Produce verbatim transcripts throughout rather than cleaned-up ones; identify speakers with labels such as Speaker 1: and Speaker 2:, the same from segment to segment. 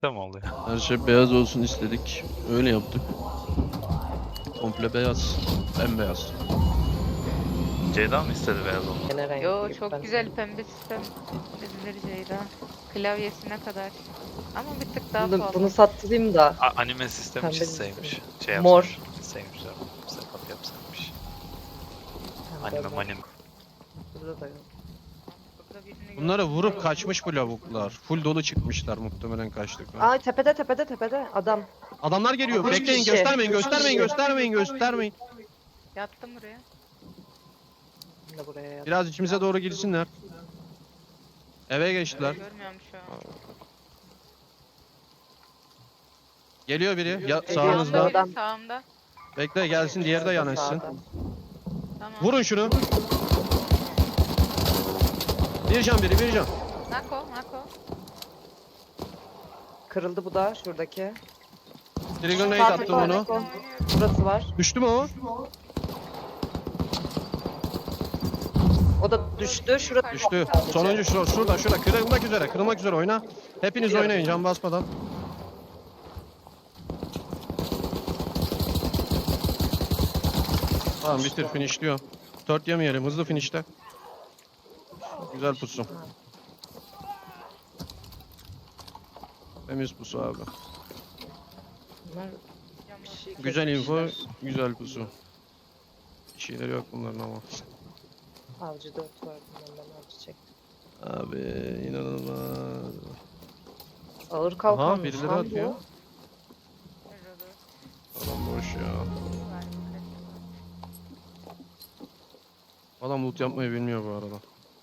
Speaker 1: Tamam oluyor.
Speaker 2: Her şey beyaz olsun istedik. Öyle yaptık. Komple beyaz. Bembeyaz.
Speaker 1: Ceyda mı istedi beyaz olmayı?
Speaker 3: Gene renk
Speaker 4: Yo
Speaker 3: gibi
Speaker 4: çok
Speaker 3: ben-
Speaker 4: güzel pembe sistem çizilir Ceyda. Klavyesine kadar. Ama bir tık daha
Speaker 3: Bunu,
Speaker 4: pahalı.
Speaker 3: bunu sattırayım da.
Speaker 1: A anime sistemi
Speaker 3: Pembe
Speaker 1: çizseymiş. Şey
Speaker 3: Mor.
Speaker 1: yapsaymış. Çizseymiş ya. Setup yapsaymış.
Speaker 3: Pembe
Speaker 1: Anime
Speaker 3: var.
Speaker 1: manim.
Speaker 3: Burada da yok.
Speaker 4: Burada birini
Speaker 2: Bunları
Speaker 4: gördüm.
Speaker 2: vurup kaçmış bu lavuklar. Full dolu çıkmışlar muhtemelen kaçtık.
Speaker 3: Aa tepede tepede tepede adam.
Speaker 2: Adamlar geliyor.
Speaker 3: Üç
Speaker 2: Bekleyin,
Speaker 3: kişi.
Speaker 2: göstermeyin,
Speaker 3: Üç
Speaker 2: göstermeyin,
Speaker 3: kişi.
Speaker 2: göstermeyin, göstermeyin.
Speaker 4: Yattım buraya.
Speaker 3: Ben de buraya yattım.
Speaker 2: Biraz içimize doğru girsinler. Eve geçtiler.
Speaker 4: Görmüyorum şu an.
Speaker 2: Geliyor biri. Ya,
Speaker 3: Geliyor.
Speaker 2: sağınızda.
Speaker 4: Sağımda
Speaker 3: Adam.
Speaker 4: biri, sağımda.
Speaker 2: Bekle gelsin, diğeri de yanaşsın.
Speaker 3: Sağda.
Speaker 4: Tamam.
Speaker 2: Vurun şunu. Bir can biri, bir can.
Speaker 4: Nako, Nako.
Speaker 3: Kırıldı bu da şuradaki.
Speaker 2: Trigger nade
Speaker 3: Sağ
Speaker 2: attım
Speaker 3: tarafa
Speaker 2: onu.
Speaker 3: Nako. Burası var.
Speaker 2: Düştü mü o?
Speaker 3: O da düştü. Şurada
Speaker 2: Düştü.
Speaker 3: sadece.
Speaker 2: Sonuncu şu, şurada, şurada. Kırılmak üzere, kırılmak üzere oyna. Hepiniz oynayın can basmadan. Tamam bitir, finishliyor. Dört yemeyelim, hızlı finishte. Güzel pusu. Temiz pusu abi.
Speaker 3: Bunlar bir şey
Speaker 2: Güzel info,
Speaker 3: kesmişler.
Speaker 2: güzel pusu. Bir şeyleri yok bunların ama.
Speaker 3: Avcı dört var. Bundan avcı çektim.
Speaker 2: Abi inanılmaz.
Speaker 3: Ağır
Speaker 2: Aha
Speaker 3: kalkanmış
Speaker 2: birileri
Speaker 3: lan
Speaker 2: atıyor.
Speaker 3: bu.
Speaker 2: Adam boş ya. Adam loot yapmayı bilmiyor bu arada.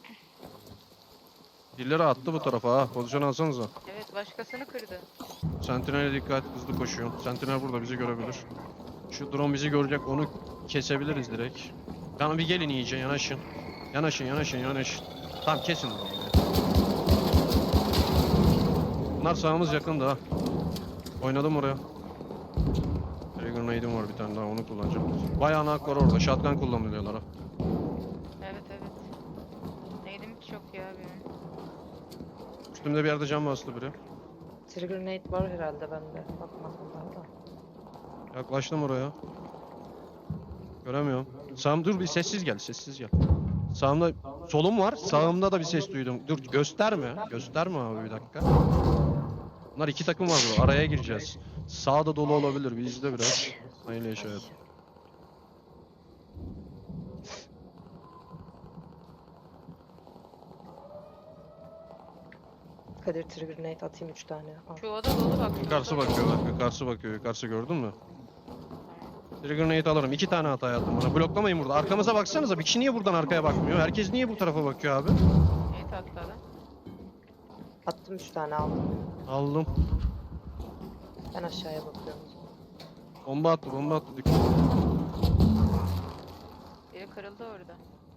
Speaker 2: Birileri attı bu tarafa ha. Pozisyon alsanıza.
Speaker 4: Evet başkasını kırdı.
Speaker 2: Sentinel'e dikkat, hızlı koşuyor. Sentinel burada bizi görebilir. Şu drone bizi görecek, onu kesebiliriz direkt. Tamam bir gelin iyice, yanaşın. Yanaşın, yanaşın, yanaşın. Tamam kesin drone'u. Bunlar sağımız yakında ha. Oynadım oraya. Trigger nade'im var bir tane daha, onu kullanacağım. Bayağı nak var orada, shotgun kullanıyorlar ha.
Speaker 4: Evet evet. Neydim hiç yok ya benim.
Speaker 2: Üstümde bir yerde cam bastı biri.
Speaker 3: Trigger nade var herhalde bende. Bakmadım daha da.
Speaker 2: Yaklaştım oraya. Göremiyorum. Sağım dur bir sessiz gel, sessiz gel. Sağımda solum var, sağımda da bir ses duydum. Dur gösterme, gösterme abi bir dakika. Bunlar iki takım var burada, araya gireceğiz. Sağda dolu olabilir, bir izle biraz. Hayırlı yaşayalım.
Speaker 3: Kadir trigger nade atayım üç tane. Al.
Speaker 4: Şu oda dolu bak. şu
Speaker 2: Yukarısı
Speaker 4: oda
Speaker 2: bakıyor,
Speaker 4: dolu.
Speaker 2: bak yukarısı bakıyor, yukarısı gördün mü? Trigger nade alırım, iki tane hata yaptım bana. Bloklamayın burada, arkamıza baksanıza, bir kişi niye buradan arkaya bakmıyor? Herkes niye bu tarafa bakıyor abi?
Speaker 4: Neyi tatladı?
Speaker 3: Attım üç tane aldım.
Speaker 2: Aldım.
Speaker 3: Ben aşağıya bakıyorum. o zaman.
Speaker 2: Bomba attı, bomba attı. Dikkat.
Speaker 4: Biri kırıldı orada.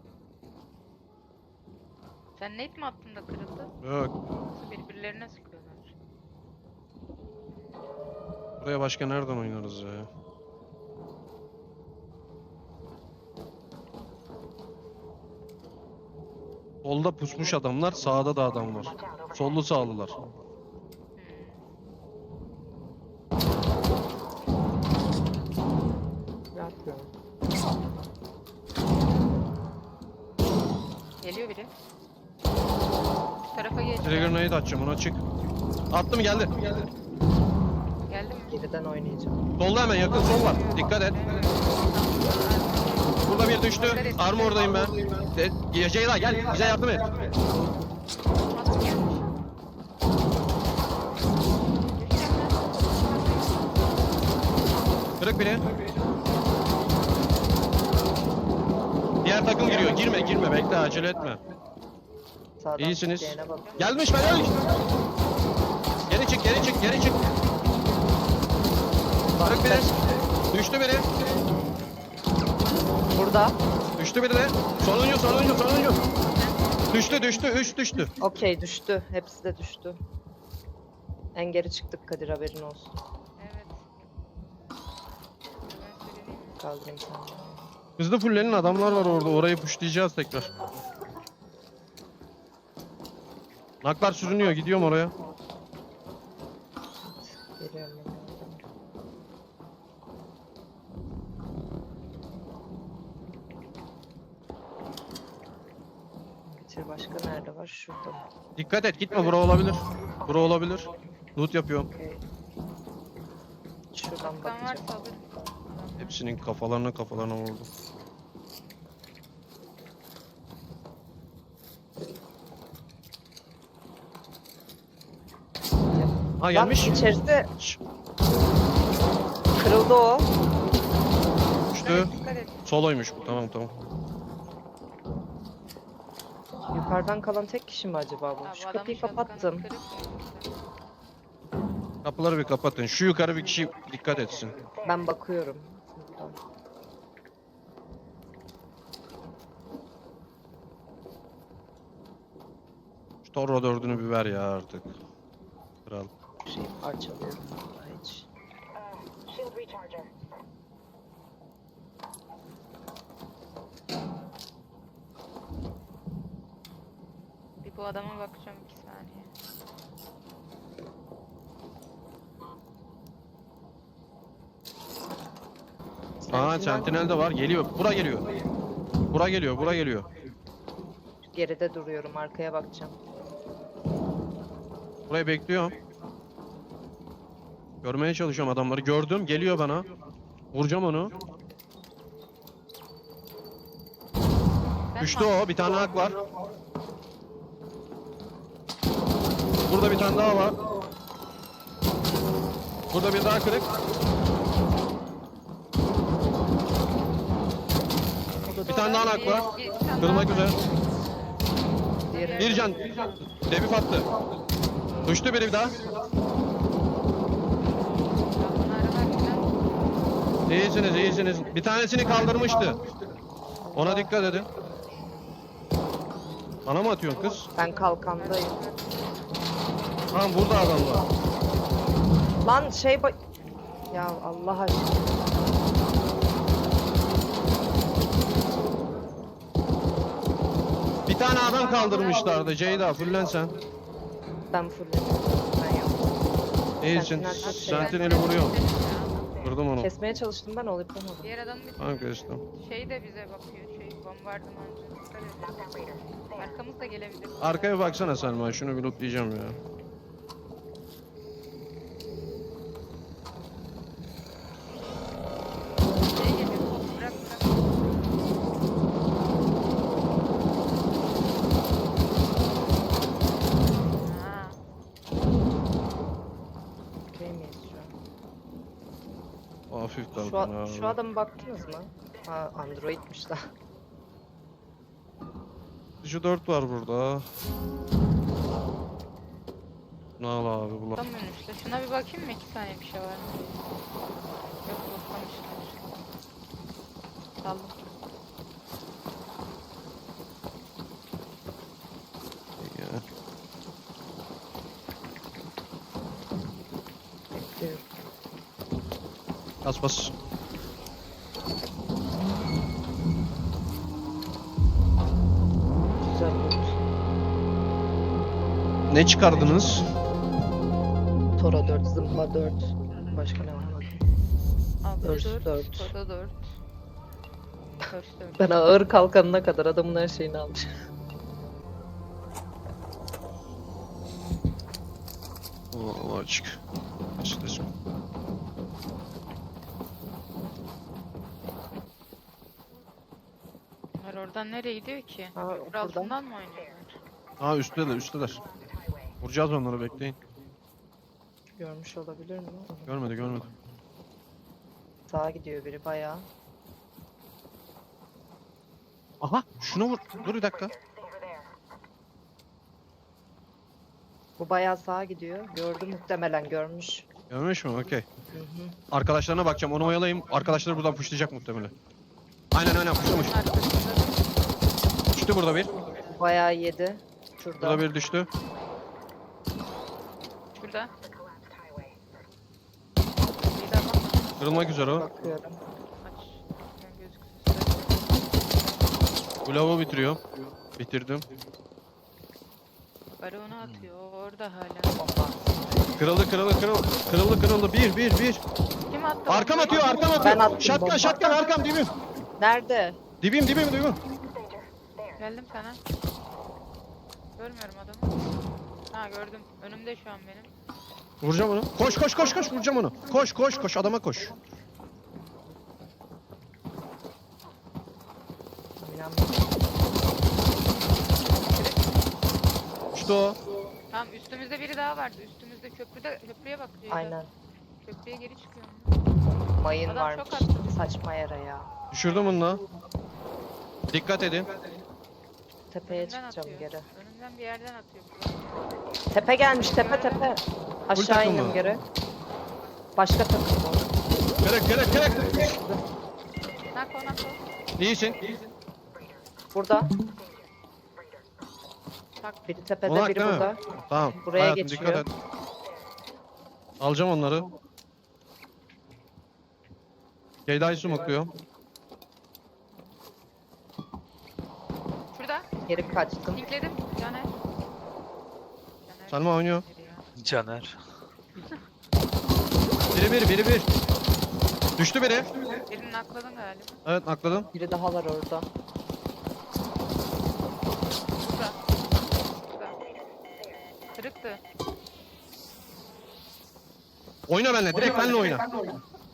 Speaker 4: Sen net mi attın da kırıldı?
Speaker 2: Yok.
Speaker 4: Nasıl birbirlerine sıkıyorlar?
Speaker 2: Buraya başka nereden oynarız ya? Solda pusmuş adamlar, sağda da adam var. Sollu sağlılar.
Speaker 4: Hmm.
Speaker 3: Yapıyorum.
Speaker 4: Geliyor biri. Şu tarafa geç.
Speaker 2: Trigger nade atacağım, ona çık. Attım geldi.
Speaker 4: Geldi mi?
Speaker 3: Geriden oynayacağım.
Speaker 2: Solda hemen yakın sol var. Dikkat et.
Speaker 4: Evet.
Speaker 2: Burada bir düştü. Armordayım ben. De Ceyda gel, bize yardım et.
Speaker 4: Nasıl gelmiş?
Speaker 2: Kırık biri. Diğer takım giriyor. Girme, girme. Bekle, acele etme.
Speaker 3: Sağdan
Speaker 2: İyisiniz.
Speaker 3: diyene bak.
Speaker 2: Gelmiş ben öyle. Geri çık, geri çık, geri çık. Kırık biri. Düştü biri.
Speaker 3: Burada.
Speaker 2: Düştü biri de. Sonuncu, sonuncu, sonuncu. Düştü, düştü. Üç düştü.
Speaker 3: Okey düştü. Hepsi de düştü. En geri çıktık Kadir haberin olsun.
Speaker 4: Evet. Ben söyleyeyim.
Speaker 3: Kaldırayım seni.
Speaker 2: Hızlı fullenin adamlar var orada. Orayı pushlayacağız tekrar. Naklar sürünüyor. Gidiyorum oraya.
Speaker 3: Geliyorum ben oradan. Bitir başka nerede var? Şurada.
Speaker 2: Dikkat et gitme bura olabilir. Bura olabilir. Loot yapıyorum.
Speaker 3: Okey. Şuradan
Speaker 4: Kan
Speaker 3: bakacağım.
Speaker 4: varsa alırım.
Speaker 2: Hepsinin kafalarına kafalarına vurdum. Ha
Speaker 3: Lan
Speaker 2: gelmiş.
Speaker 3: içerisi
Speaker 2: Şş,
Speaker 3: kırıldı o.
Speaker 2: düştü.
Speaker 4: Evet, dikkat et.
Speaker 2: Soloymuş bu. Tamam tamam.
Speaker 3: Yukarıdan kalan tek kişi mi acaba bu?
Speaker 4: Abi
Speaker 3: Şu
Speaker 4: adamın
Speaker 3: kapıyı
Speaker 4: shotgun'ı
Speaker 3: kapattım.
Speaker 4: kırıp-
Speaker 2: Kapıları bir kapatın. Şu yukarı bir kişi dikkat etsin.
Speaker 3: Ben bakıyorum. Buradan.
Speaker 2: Şu Torro dördünü bir ver ya artık. Kral.
Speaker 3: Şey parçalıyorum. Vallahi hiç.
Speaker 5: Shield recharger.
Speaker 4: Bir bu adama bakacağım iki saniye.
Speaker 2: Aa sentinel de var. Geliyor. Bura geliyor. Bura geliyor. Bura geliyor.
Speaker 3: Geride duruyorum. Arkaya bakacağım.
Speaker 2: Burayı bekliyorum. Görmeye çalışıyorum adamları. Gördüm. Geliyor bana. Vuracağım onu.
Speaker 4: Ben
Speaker 2: Düştü
Speaker 4: mi-
Speaker 2: o. Bir tane hak var. Burada bir tane daha var. Burada bir daha kırık. Bir tane daha hak var.
Speaker 4: Bir- bir tane
Speaker 2: Kırılmak
Speaker 4: daha var.
Speaker 2: üzere.
Speaker 3: Diğeri
Speaker 2: Bir can. Debif attı. Düştü biri bir daha.
Speaker 4: Bunları var filan.
Speaker 2: İyisiniz, iyisiniz. Bir tanesini kaldırmıştı. Ona dikkat edin. Bana mı atıyorsun kız?
Speaker 3: Ben kalkandayım.
Speaker 2: Tamam burada adam var.
Speaker 3: Lan şey ba- Ya Allah aşkına.
Speaker 2: Bir tane adam kaldırmışlardı. Ceyda fullen sen.
Speaker 3: Ben fullledim. Ben yaptım.
Speaker 2: İyisin.
Speaker 3: Sentinel kaç
Speaker 2: Sentineli vuruyorum. Vurdum onu.
Speaker 3: Kesmeye çalıştım ben olup yapamadım.
Speaker 4: Diğer adam bir
Speaker 2: Tamam kestim.
Speaker 4: şey de bize bakıyor. Şey bombardımancı. Dikkat et.
Speaker 5: Knockout Raider. There.
Speaker 4: Arkamız da gelebilir.
Speaker 2: Arkaya baksana Selma. Şunu bir lootlayacağım ya.
Speaker 4: Şey geliyor. Bırak bırak. Ha.
Speaker 3: Okey miyiz şu an?
Speaker 2: Hafif
Speaker 3: Şu,
Speaker 2: kaldım
Speaker 3: a-
Speaker 2: abi.
Speaker 3: şu adama baktınız mı? Ha Android'miş da.
Speaker 2: Şu dört var burada. Ne al abi bu lan.
Speaker 4: Tutamıyorum işte. Şuna bir bakayım mı? İki saniye bir şey var mı? Yok toplamışlar. Saldım.
Speaker 2: Ya.
Speaker 3: Bekliyorum.
Speaker 2: Bas bas.
Speaker 3: Güzel loot.
Speaker 2: Ne çıkardınız?
Speaker 3: Tora dört, zımba dört. Başka ne var bakayım.
Speaker 4: Altı
Speaker 3: Dört,
Speaker 4: dört.
Speaker 3: dört.
Speaker 4: Koda dört. Dört dört.
Speaker 3: Ben ağır kalkanına kadar adamın her şeyini almış.
Speaker 2: Allah açık. İşte.
Speaker 4: Bunlar oradan nereye gidiyor ki?
Speaker 3: Ha,
Speaker 4: Köprü
Speaker 3: buradan.
Speaker 4: altından mı oynuyorlar?
Speaker 2: Ha üstteler üstteler. Vuracağız onları bekleyin.
Speaker 3: Görmüş olabilir mi?
Speaker 2: Görmedi görmedi.
Speaker 3: Sağa gidiyor biri bayağı.
Speaker 2: Aha şuna vur. Dur bir dakika.
Speaker 5: Over there.
Speaker 3: Bu bayağı sağa gidiyor. Gördü muhtemelen görmüş.
Speaker 2: Görmüş mü? Okey.
Speaker 3: Hı hı.
Speaker 2: Arkadaşlarına bakacağım. Onu oyalayayım. Arkadaşları buradan pushlayacak muhtemelen. Aynen aynen pushlamış.
Speaker 4: Bunun arkasında
Speaker 2: Düştü burada bir.
Speaker 3: Bayağı yedi. Şurada.
Speaker 2: Burada bir düştü.
Speaker 4: şurada.
Speaker 5: The collapsed highway.
Speaker 4: Bir de adam var.
Speaker 2: Kırılmak üzere o.
Speaker 3: Bakıyorum.
Speaker 4: Aç. Ben gözüksün.
Speaker 2: Bu lavuğu bitiriyor. Bitirdim.
Speaker 4: Baronu atıyor. O orada hala.
Speaker 3: Bomba.
Speaker 2: Kırıldı kırıldı kırıldı. Kırıldı kırıldı. Bir bir bir.
Speaker 4: Kim attı?
Speaker 2: Arkam
Speaker 4: bombayı?
Speaker 2: atıyor arkam atıyor.
Speaker 3: Ben attım
Speaker 2: Şatkan
Speaker 3: bomba.
Speaker 2: şatkan arkam dibim.
Speaker 3: Nerede?
Speaker 2: Dibim dibim dibim.
Speaker 5: Danger. There.
Speaker 4: Geldim sana. Görmüyorum adamı. Ha gördüm. Önümde şu an benim.
Speaker 2: Vuracağım onu. Koş koş koş koş vuracağım onu. Koş koş koş adama koş. İşte o.
Speaker 4: Tamam üstümüzde biri daha vardı. Üstümüzde köprüde köprüye bak. Ceyda.
Speaker 3: Aynen.
Speaker 4: Köprüye geri çıkıyor.
Speaker 3: Mayın
Speaker 4: Adam
Speaker 3: varmış.
Speaker 4: çok attı.
Speaker 3: Saçma yere ya.
Speaker 2: Düşürdüm bunu da. Dikkat edin.
Speaker 3: Tepeye
Speaker 4: Önümden
Speaker 3: çıkacağım
Speaker 4: atıyor.
Speaker 3: geri.
Speaker 4: Önümden bir yerden atıyor.
Speaker 3: Tepe gelmiş tepe tepe. Aşağı
Speaker 2: takım
Speaker 3: indim
Speaker 2: mı?
Speaker 3: geri. Başka takım o.
Speaker 2: Kırık kırık kırık.
Speaker 4: Nak o nak o.
Speaker 2: İyisin.
Speaker 3: Burada.
Speaker 4: Tak.
Speaker 3: Biri tepede
Speaker 2: Onak
Speaker 3: biri
Speaker 2: değil mi?
Speaker 3: burada.
Speaker 2: Tamam.
Speaker 3: Buraya
Speaker 2: hayatım,
Speaker 3: geçiyor.
Speaker 2: dikkat et. Alacağım onları. Ceyda'yı smokluyor.
Speaker 4: Şurada.
Speaker 3: Geri kaçtım.
Speaker 4: Linkledim. Caner. Caner.
Speaker 2: Selma oynuyor.
Speaker 4: Ya.
Speaker 1: Caner.
Speaker 2: Biri bir biri bir. Düştü biri.
Speaker 4: Birini nakladın galiba.
Speaker 2: Evet nakladım.
Speaker 3: Biri daha var orada.
Speaker 4: Burada. Burada. Kırıktı.
Speaker 2: Oyna benimle. Direkt benimle oyna.
Speaker 4: Tamam.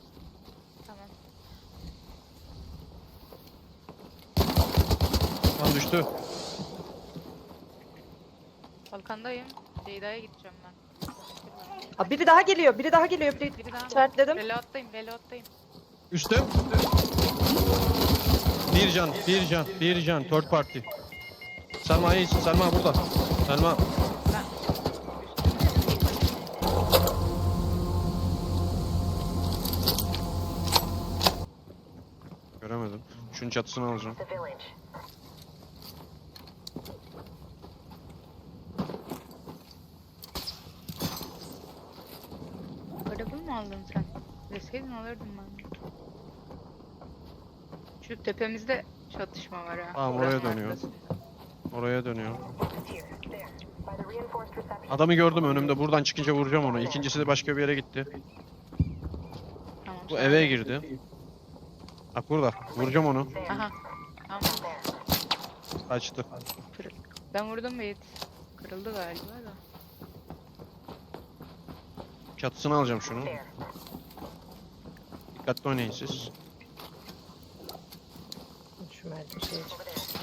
Speaker 2: Tamam düştü.
Speaker 4: Balkandayım. Ceyda'ya gideceğim ben.
Speaker 3: Aa, biri daha geliyor. Biri daha geliyor. Biri
Speaker 4: Biri daha.
Speaker 3: işaretledim.
Speaker 4: Reload'dayım. Reload'dayım.
Speaker 2: Üstüm. Bir can, bir can, bir can. Third party. Selma iyisin. Selma burada. Selma.
Speaker 4: Ben.
Speaker 2: Göremedim. Şunun çatısını alacağım.
Speaker 5: The village.
Speaker 4: Araba mı aldın sen? Deseydin alırdım ben. Şu tepemizde çatışma var ha.
Speaker 2: Tamam,
Speaker 4: Buranın
Speaker 2: oraya dönüyor.
Speaker 4: arkasında.
Speaker 2: Oraya dönüyor.
Speaker 5: It's here. There. By the reinforced reception.
Speaker 2: Adamı gördüm önümde. Buradan çıkınca vuracağım onu. İkincisi de başka bir yere gitti.
Speaker 4: Tamam.
Speaker 2: Bu
Speaker 4: sağ
Speaker 2: eve
Speaker 4: ol.
Speaker 2: girdi. Bak burada. Vuracağım onu.
Speaker 5: There.
Speaker 4: Aha. Tamam.
Speaker 5: There.
Speaker 2: Kaçtı.
Speaker 4: Kırık. Ben vurdum Beyit. Kırıldı galiba da.
Speaker 2: Çatısını alacağım şunu.
Speaker 5: There.
Speaker 2: Dikkatli oynayın siz.
Speaker 3: Şu merdiven şeye çık.
Speaker 5: Over there.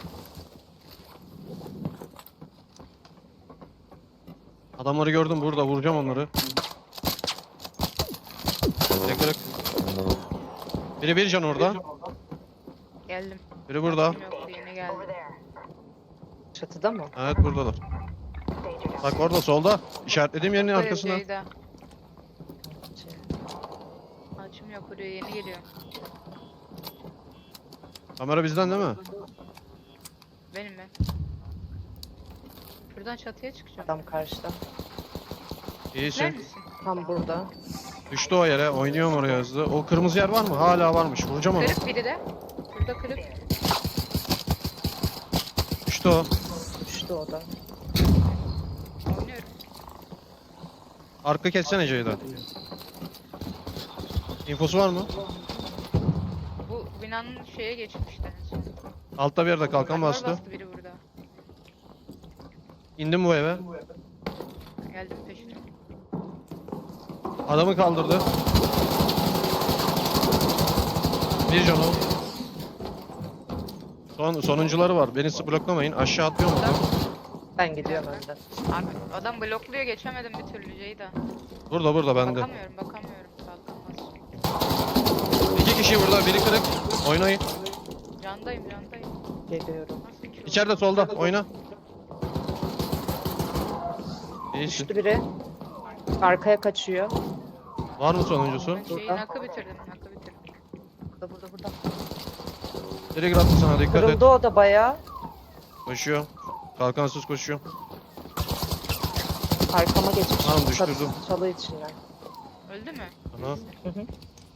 Speaker 2: Adamları gördüm burada. Vuracağım onları. Biri kırık. Biri bir can orada.
Speaker 4: Geldim.
Speaker 2: Biri burada.
Speaker 4: Kim yoktu yeni geldi.
Speaker 5: Over there.
Speaker 3: Çatıda mı?
Speaker 2: Evet buradalar.
Speaker 5: Danger.
Speaker 2: Bak orada solda. İşaretlediğim yerin
Speaker 4: Buraya
Speaker 2: arkasına.
Speaker 4: Ceyda. Açım yok buraya yeni geliyor.
Speaker 2: Kamera bizden değil mi?
Speaker 4: Benim ben. Şuradan çatıya çıkacağım.
Speaker 3: Adam karşıda.
Speaker 4: Gider
Speaker 2: İyisin.
Speaker 4: misin?
Speaker 3: Tam burada.
Speaker 2: Düştü o yere. Oynuyorum oraya hızlı. O kırmızı yer var mı? Hala varmış. Vuracağım onu.
Speaker 4: Kırık biri de. Burada kırık.
Speaker 2: Düştü o.
Speaker 3: Düştü o da.
Speaker 4: Oynuyorum.
Speaker 2: Arka kessene Ceyda. İnfosu var mı?
Speaker 4: Bu binanın şeye geçmişti en son.
Speaker 2: Altta bir yerde kalkan
Speaker 4: Duvar
Speaker 2: bastı.
Speaker 4: bastı biri burada.
Speaker 2: İndim bu eve.
Speaker 4: Geldim peşine.
Speaker 2: Adamı kaldırdı. Bir can o. Son, sonuncuları var. Beni bloklamayın. Aşağı atlıyorum
Speaker 4: Burada.
Speaker 2: onu.
Speaker 3: Ben gidiyorum önden.
Speaker 4: Abi adam blokluyor geçemedim bir türlü Ceyda.
Speaker 2: Burada burada bende.
Speaker 4: Bakamıyorum bakamıyorum. Kalkamaz.
Speaker 2: İki kişi burada. Biri kırık. Oynayın.
Speaker 4: Candayım candayım.
Speaker 3: Geliyorum.
Speaker 4: Nasıl ki o?
Speaker 2: İçeride solda. Oyna. İyisin.
Speaker 3: Düştü biri. Arkaya kaçıyor.
Speaker 2: Var mı sonuncusu?
Speaker 4: Ben şeyi
Speaker 3: Burada.
Speaker 4: nakı bitirdim nakı bitirdim.
Speaker 3: Burada burada burada.
Speaker 2: Direkt attı sana. Dikkat et.
Speaker 3: Kırıldı o da bayağı.
Speaker 2: Koşuyor. Kalkansız koşuyor.
Speaker 3: Arkama geçmiş.
Speaker 2: Tamam,
Speaker 3: Çat-
Speaker 2: düşürdüm.
Speaker 3: Çalı içinden.
Speaker 4: Öldü mü?
Speaker 2: Aha.
Speaker 3: Hı hı.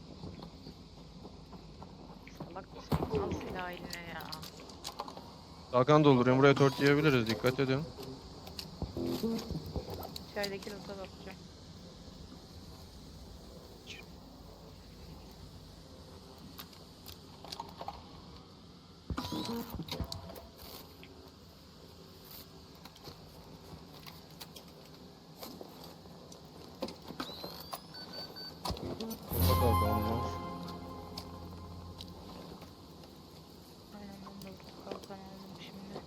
Speaker 4: Salak mısın? Al silahı eline ya.
Speaker 2: Kalkan dolduruyorum. Buraya tört yiyebiliriz. Dikkat edin.
Speaker 4: İçerideki loot'a bakacağım.
Speaker 2: Burada kalkalım ya.
Speaker 4: Aynen ben de burada kalkan aldım şimdi.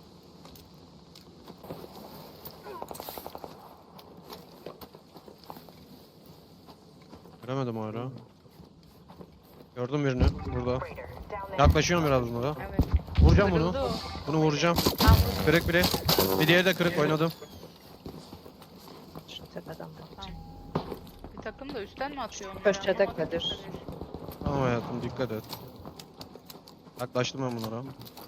Speaker 2: Göremedim hala. Gördüm birini burada.
Speaker 5: Raider, down there.
Speaker 2: Yaklaşıyorum biraz bunlara.
Speaker 4: Evet.
Speaker 2: Vuracağım bunu.
Speaker 4: Kırıldı o.
Speaker 2: Bunu vuracağım.
Speaker 4: Tam vurdu.
Speaker 2: Kırık biri. Bir diğeri de kırık oynadım.
Speaker 3: Şu tepeden bakacağım.
Speaker 4: Bir takım da üstten mi atıyor onları?
Speaker 3: Köşede
Speaker 4: Anlamadım.
Speaker 3: Kadir.
Speaker 2: Tamam hayatım dikkat et. Yaklaştım ben bunlara.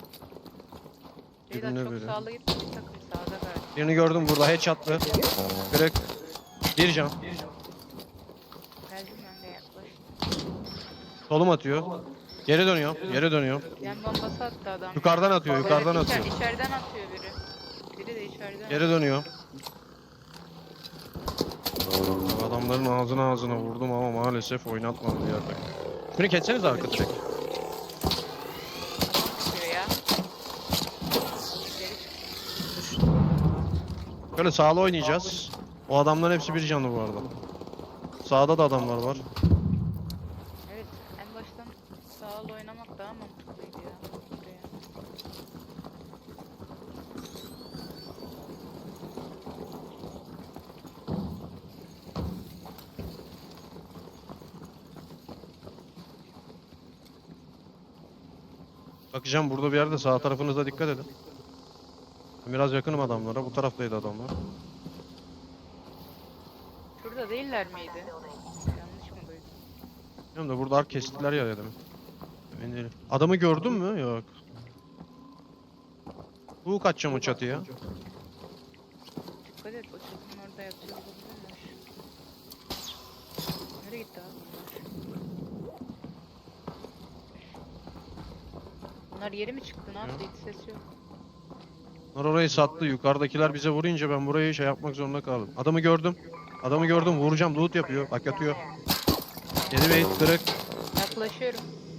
Speaker 4: Ceyda
Speaker 2: Dibinde
Speaker 4: çok
Speaker 2: biri.
Speaker 4: sağlı gitme, bir takım sağda galiba.
Speaker 2: Birini gördüm burada headshot'lı. Kırık. Bir can.
Speaker 4: Geldim ben de yaklaştım.
Speaker 2: Solum atıyor. Geri dönüyor. Geri dönüyor.
Speaker 4: Yan bombası attı adam.
Speaker 2: Yukarıdan atıyor. Yukarıdan
Speaker 4: Evet, içer-
Speaker 2: atıyor.
Speaker 4: İçeriden atıyor biri. Biri de içeriden.
Speaker 2: Geri dönüyor. Adamların ağzına ağzına vurdum ama maalesef oynatmadı diğer takım. Şunu kesseniz arka direkt.
Speaker 4: atıyor ya. Geri çık.
Speaker 2: Şöyle sağlı oynayacağız. O adamların hepsi bir canlı bu arada. Sağda da adamlar var.
Speaker 4: Evet, en baştan sağlı oynamak daha mantıklıydı ya. Buraya.
Speaker 2: Bakacağım burada bir yerde sağ tarafınıza dikkat edin. Ben biraz yakınım adamlara. Bu taraftaydı adamlar.
Speaker 4: Şurada değiller miydi? Yanlış mı duydum?
Speaker 2: Bilmiyorum da burada ark kestiler ya dedim. Emin değilim. Adamı gördün mü? Yok. Bu kaçacağım o çatıya.
Speaker 4: Dikkat et, o çatının orada yatıyor olabilirler. Nereye gitti abi bunlar? Bunlar yeri mi çıktı? Ne yaptı? Hiç ses yok.
Speaker 2: Onlar orayı sattı. Yukarıdakiler bize vurunca ben burayı şey yapmak zorunda kaldım. Adamı gördüm. Adamı gördüm. Vuracağım. Loot yapıyor. Bak yatıyor. Yedi bey kırık.
Speaker 4: Yaklaşıyorum.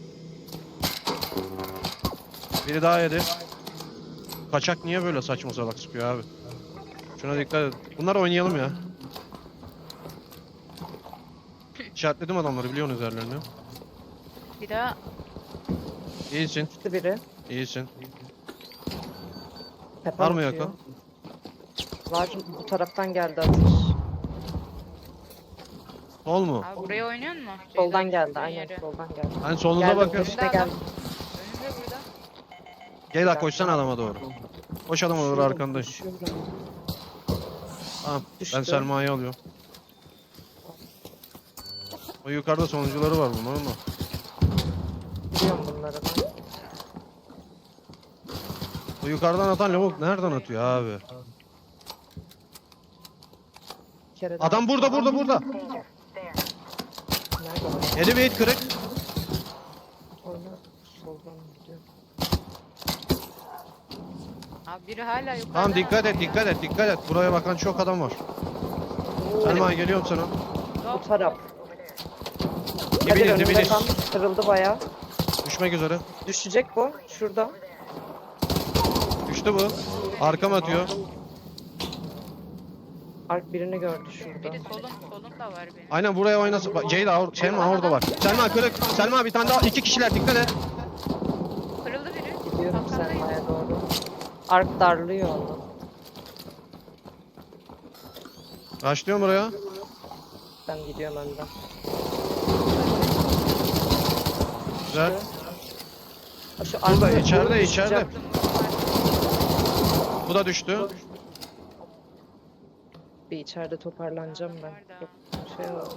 Speaker 2: Biri daha yedi. Kaçak niye böyle saçma salak sıkıyor abi? Şuna dikkat et. Bunlar oynayalım ya. İşaretledim adamları biliyorsunuz yerlerini.
Speaker 4: Bir daha
Speaker 2: İyisin.
Speaker 3: Düştü biri.
Speaker 2: İyisin.
Speaker 3: Tepe
Speaker 2: Var mı
Speaker 3: atıyor.
Speaker 2: yakın?
Speaker 3: Var. Bu taraftan geldi atış.
Speaker 2: Sol mu?
Speaker 4: abi buraya oynuyor mu?
Speaker 3: Soldan geldi. Aynen soldan geldi.
Speaker 2: Hani solunuza
Speaker 3: Geldi,
Speaker 2: bakın.
Speaker 3: önünde geldi.
Speaker 4: Önünde burada.
Speaker 2: Gel la koşsana adama doğru. Koş adama doğru
Speaker 3: Düşüyorum,
Speaker 2: arkandayım.
Speaker 3: düşüyorum.
Speaker 2: Tamam.
Speaker 3: Düştü.
Speaker 2: Ben Selma'yı alıyorum. O yukarıda sonuncuları var bunların da.
Speaker 3: Biliyorum bunları ben.
Speaker 2: O yukarıdan atan lavuk nereden atıyor abi?
Speaker 3: Bir kere daha-
Speaker 2: Adam burada burada burada.
Speaker 5: Danger, there.
Speaker 3: Nerede o?
Speaker 2: Yedi beyit kırık.
Speaker 3: Oyna. Soldan gidiyor.
Speaker 4: Abi biri hala yukarıda.
Speaker 2: Tamam dikkat et dikkat et dikkat et. Buraya bakan çok adam var. Selma geliyorum sana.
Speaker 3: Bu taraf. Kadir
Speaker 2: Dibiniz
Speaker 3: önünde
Speaker 2: dibiniz.
Speaker 3: kalmış. Kırıldı bayağı.
Speaker 2: Düşmek üzere.
Speaker 3: Düşecek bu. Şurada.
Speaker 2: Düştü bu. Arkam atıyor.
Speaker 3: Ark birini gördü şurada.
Speaker 4: Biri solun, solun da var benim.
Speaker 2: Aynen buraya oynasın. Bak, Ceyda or- Selma orada var. Selma kırık. Selma bir tane daha. İki kişiler dikkat et.
Speaker 4: Kırıldı biri.
Speaker 3: Gidiyorum
Speaker 4: Kalkandayız.
Speaker 3: Selma'ya doğru. Ark darlıyor onu.
Speaker 2: Başlıyorum buraya.
Speaker 3: Ben gidiyorum önden.
Speaker 2: Güzel.
Speaker 3: Ha, Şu
Speaker 2: Burada
Speaker 3: arka-
Speaker 2: içeride
Speaker 3: düşecek.
Speaker 2: içeride. Bu da düştü.
Speaker 3: Bir içeride toparlanacağım ben. Yok, şey oldu.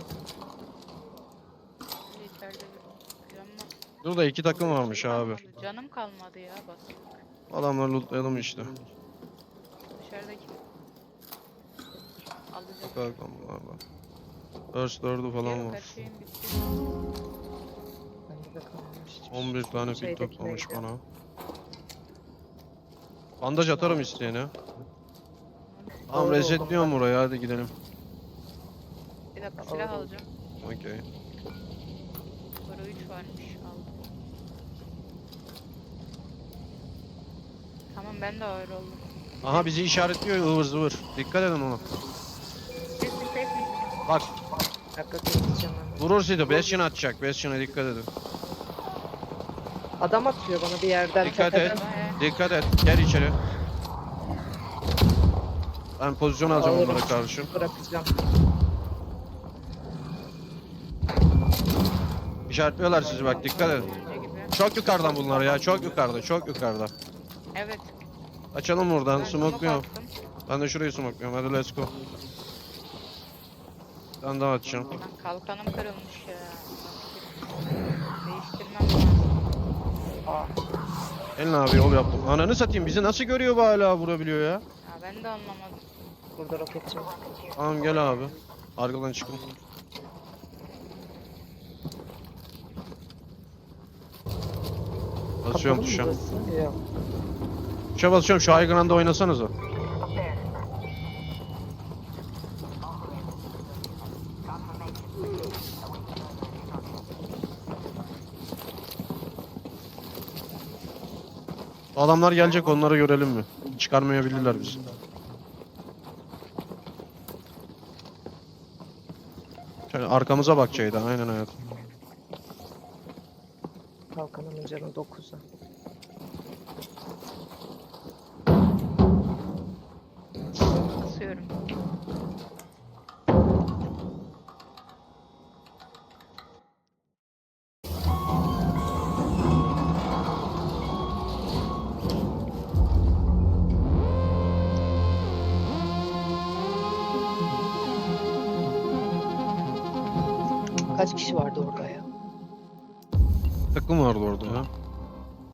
Speaker 4: Biri içeride biri. Canım,
Speaker 2: Burada iki takım varmış abi.
Speaker 4: canım kalmadı ya bak.
Speaker 2: Adamları lootlayalım işte.
Speaker 4: Dışarıdaki. Alacak.
Speaker 2: Bakalım bunlardan. First dördü falan
Speaker 4: Yok,
Speaker 2: var.
Speaker 4: her şeyim bitti.
Speaker 3: Bende de kalmamış.
Speaker 2: on bir tane pil
Speaker 3: Şeydekine
Speaker 2: toplamış
Speaker 3: gidiyorum.
Speaker 2: bana. Bandaj atarım isteyene. Tamam
Speaker 3: Doğru
Speaker 2: resetliyorum burayı hadi gidelim.
Speaker 4: Bir dakika silah
Speaker 3: Aldım.
Speaker 4: alacağım.
Speaker 2: Okey.
Speaker 4: Para üç varmış aldım. Tamam ben de ağır oldum.
Speaker 2: Aha bizi işaretliyor ıvır zıvır. Dikkat edin ona.
Speaker 4: Siz bir safe misiniz?
Speaker 2: Bak
Speaker 3: Bir dakika geçeceğim hemen.
Speaker 2: vurur sizi. Bastion'a atacak. Bastion'a dikkat edin.
Speaker 3: Adam atıyor bana bir yerden.
Speaker 2: Dikkat
Speaker 3: tepeden.
Speaker 2: et.
Speaker 4: Bayağı.
Speaker 2: Dikkat et. Gel içeri. Ben pozisyon alacağım
Speaker 3: Alırım.
Speaker 2: onlara karşı.
Speaker 3: Bırakacağım.
Speaker 2: İşaretliyorlar sizi bak dikkat edin.
Speaker 4: Önce gibi.
Speaker 2: Çok yukarıdan bunlar ya. Çok yukarıda. Çok yukarıda.
Speaker 4: Evet.
Speaker 2: Açalım buradan.
Speaker 4: Ben
Speaker 2: Smokluyorum.
Speaker 4: attım.
Speaker 2: Ben de şurayı smokluyorum. Hadi let's go. Ben daha atacağım.
Speaker 4: Lan kalkanım kırılmış ya. Değiştirmem lazım.
Speaker 2: Elin abi yol yaptım. Ananı satayım. Bizi nasıl görüyor bu hala vurabiliyor ya?
Speaker 4: Ya ben de anlamadım.
Speaker 3: Burada roketçi var.
Speaker 2: Tamam gel abi. Arkadan çıkın. Basıyorum
Speaker 3: Kapalı mı
Speaker 2: tuşa.
Speaker 3: burası? Yok.
Speaker 2: Tuşa basıyorum. Şu high ground'a oynasanıza.
Speaker 5: Up there.
Speaker 2: Bu adamlar gelecek onları görelim mi? Çıkarmayabilirler bizi. Şöyle arkamıza bakacaktı aynen hayat.
Speaker 3: Kalkanımın canı dokuza.
Speaker 4: Basıyorum.
Speaker 3: Kaç kişi vardı orada ya?
Speaker 2: Takım vardı orada ya.